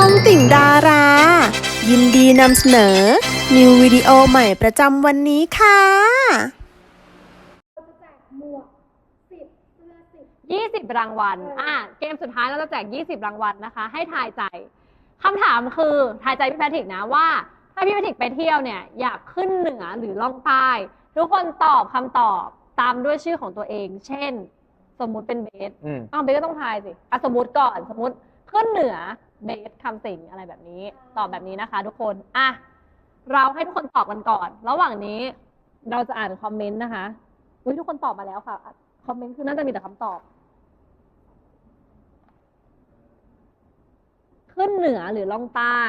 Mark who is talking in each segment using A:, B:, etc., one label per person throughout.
A: องติ่งดารา ยินดีนำเสนอนิววิดีโอใหม่ประจำวันนี้ค่ะ
B: 20 รางวัลเกมสุดท้ายเราจะแจก20 รางวัลนะคะให้ทายใจคำถามคือทายใจพี่แพทริกนะว่าถ้าพี่แพทริกไปเที่ยวเนี่ยอยากขึ้นเหนือหรือล่องใต้ทุกคนตอบคำตอบตามด้วยชื่อของตัวเองเช่นสมมุติเป็นเบสเบสก็ต้องทายสิสมมุติก่อนสมมุติขึ้นเหนือเบสคำสิงอะไรแบบนี้ตอบแบบนี้นะคะทุกคนเราให้ทุกคนตอบกันก่อนระหว่างนี้เราจะอ่านคอมเมนต์นะคะทุกคนตอบมาแล้วค่ะคอมเมนต์คือน่าจะมีแต่คำตอบขึ้นเหนือหรือล่องใต้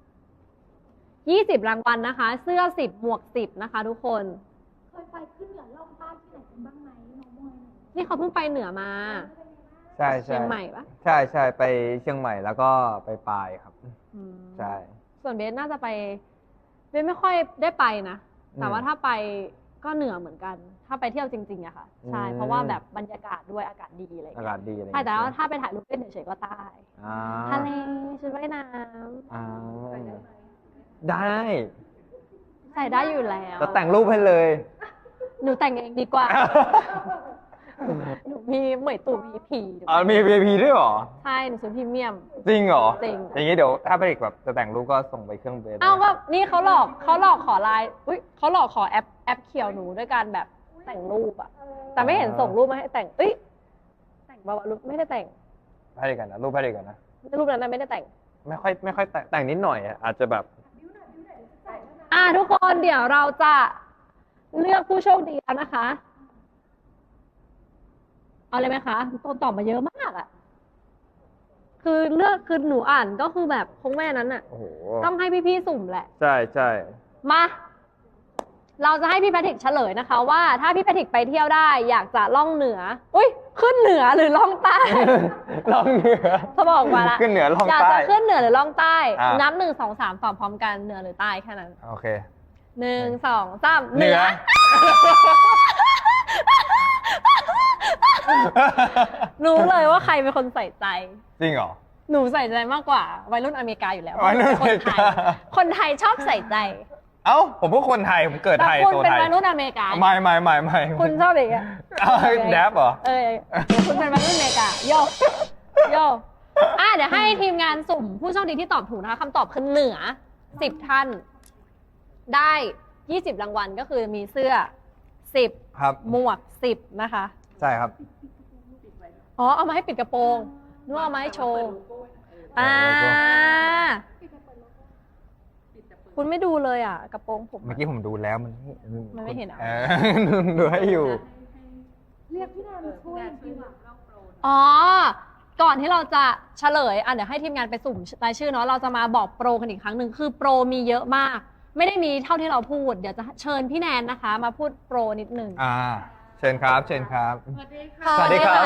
B: 20 รางวัลนะคะเสื้อ10หมวก10นะคะทุกคน
C: เคยไปขึ้นเหนือล่องใต้ที่ไหนกันบ้างไหมน้องมวย
B: นี่เขาเพิ่งไปเหนือมา
D: ใช่
B: เชียงใหม่ปะ
D: ใช่ไปเชียงใหม่แล้วก็ไปปายครับใช่
B: ส่วนเบสน่าจะไปเบสไม่ค่อยได้ไปนะแต่ว่าถ้าไปก็เหนือเหมือนกันถ้าไปเที่ยวจริงๆอะค่ะใช่เพราะว่าแบบบรรยากาศด้วยอากาศดีอะไร
D: อากาศดีอะไร
B: ใช่แต่ว่าถ้าไปถ่ายรูปเล่นเฉยๆก็ใต้ทะเลชุดว่ายน้
D: ำได้
B: ใส่ได้อยู่แล้ว
D: จะแต่งรูปให้เลย
B: หนูแต่งเองดีกว่าหนูมีเหมยตู่ VIP
D: มี VIP ด้วยเหรอ
B: ใช่หนูซื้อพรีเมียม
D: จริงเหรอ
B: จริง
D: อย่างนี้เดี๋ยวถ้าไปอีกแบบจะแต่งรูปก็ส่งไปเครื่องเบส
B: ก็นี่เขาหลอกขอไลน์เขาหลอกขอแอปเขียวหนูด้วยการแบบแต่งรูปอะแต่ไม่เห็นส่งรูปมาให้แต่งแต่งรูปไม่ได้แต่ง
D: ให้ดีกันนะรูปให้ดีกันนะ
B: รูปนั้นไม่ได้แต่ง
D: ไม่ค่อยแต่งนิดหน่อยอาจจะแบบ
B: ทุกคนเดี๋ยวเราจะเลือกผู้โชคดีแล้วนะคะเอาเลยไหมคะต้นตอบมาเยอะมากอ่ะคือเลือกคือหนูอ่านก็คือแบบคงแม่นั้นอ่ะต้องให้พี่ๆสุ่มแหละ
D: ใช่
B: มาเราจะให้พี่แพทริกเฉลยนะคะว่าถ้าพี่แพทริกไปเที่ยวได้อยากจะล่องเหนือขึ้นเหนือหรือล่องใต้
D: ล่องเหนือ
B: เขาบอกมาละ
D: ขึ้นเหนือล่องใต้
B: อยากจะขึ้นเหนือหรือล่องใต้นับ1 2 3ตอบพร้อมกันเหนือหรือใต้แค่นั้น
D: โอเค
B: 1 2 3เหนือรู้เลยว่าใครเป็นคนใส่ใจ
D: จริงเหรอ
B: หนูใส่ใจมากกว่าวัยรุ่นอเมริกาอยู่แล้ว
D: วัยรุ่นอเมริกา
B: คนไทยชอบใส่ใจ
D: ผมก็คนไทยผมเกิดไทย
B: โตไทยคุณเป็นวัยรุ่นอเมริกา
D: ไม่
B: คุณชอบอะไรอ่ะ
D: แดบเหรอ
B: คุณเป็นวัยรุ่นอเมริกาโยเดี๋ยวให้ทีมงานสุ่มผู้โชคดีที่ตอบถูกนะคะคำตอบคือเหนือ10 ท่านได้20 รางวัลก็คือมีเสื้อ10
D: ครับ
B: หมวก10นะคะ
D: ใช่ครับ
B: เอามาให้ปิดกระโปรงนึกว่าเอามาให้โชว์คุณไม่ดูเลยกระโปรงผม
D: เมื่อกี้ผมดูแล้วมัน
B: ไม่เห็น
D: ดูให้อยู่
C: เรียกพี่แนนช่วยดีกว่า
B: ก่อนที่เราจะเฉลยเดี๋ยวให้ทีมงานไปสุ่มรายชื่อเนาะเราจะมาบอกโปรกันอีกครั้งหนึ่งคือโปรมีเยอะมากไม่ได้มีเท่าที่เราพูดเดี๋ยวจะเชิญพี่แนนนะคะมาพูดโปรนิดนึง
D: เชิญครับสวัสดีครับ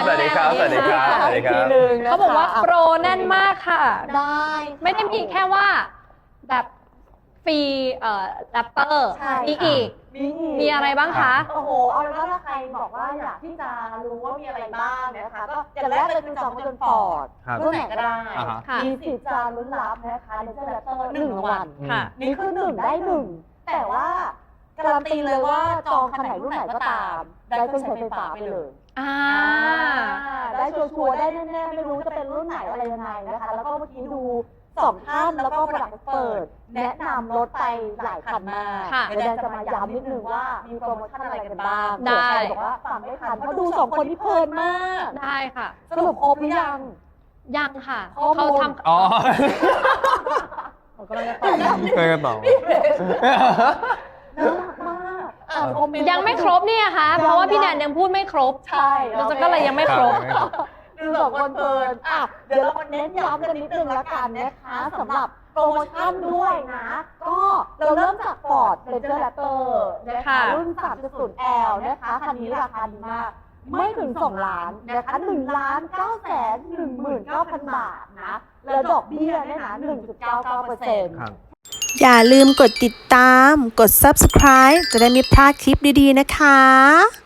B: เขาบอกว่าโปรแน่นมากค่ะ
C: ได้
B: ไม่ได้มีแค่ว่าแบบฟรีแรปเปอร์มีอะไรบ้างคะ
C: เอาเป็นว่าถ้าใครบอกว่าอยากที่จะรู้ว่ามีอะไรบ้างนะคะก็อย่างแรกเลยคือจองรถยนต์ฟอร์ดรุ่นไหนก็ได้มีสิทธิ์จะลุ้นรับนะคะเลเซอร์แรปเปอร์1 วันนี่คือ1 ได้ 1แต่ว่าการันตีเลยว่าจองคันไหนรุ่นไหนก็ตามได้เครื่องใช้ไฟฟ้าไปเลยได้ชัวร์ได้แน่ๆไม่รู้จะเป็นรุ่นไหนอะไรยังไงนะคะแล้วก็เมื่อกี้ดู2 ท่านแล้วก็ประดับเปิดแนะนำรถไปหลายคันมากเดี๋ยวจะมาย้ำนิดนึงว่ามีโปรโมชั่นอะไรกันบ้าง
B: ได้
C: บอกว่าฟังไม่ทันเพราะดู2 คนที่เพลินมาก
B: ได้ค่ะ
C: สรุปครบหรือ
B: ยังค่ะ
C: เขา
B: ทำ
D: ก็เลยต่อ
C: น่ารักมาก
B: ยังไม่ครบเนี่ยค่ะเพราะว่าพี่แนนยังพูดไม่ครบ
C: ใช่
B: เราจะก็เลยยังไม่ครบ
C: ดู2 คนเพลินเดี๋ยวเราเน้นย้ำกันนิดนึงแล้วกันนะคะสำหรับโปรโมชั่นด้วยนะก็เราเริ่มจาก Ford Ranger Raptor นะคะรุ่น 3.0L นะคะคันนี้ราคาดีมากไม่ถึง2 ล้านนะคะ1,919,000 บาทนะแล้วดอกเบี้ยเนี่ยนะ 1.99%
A: อย่าลืมกดติดตามกด Subscribe จะได้ไม่พลาดคลิปดีๆนะคะ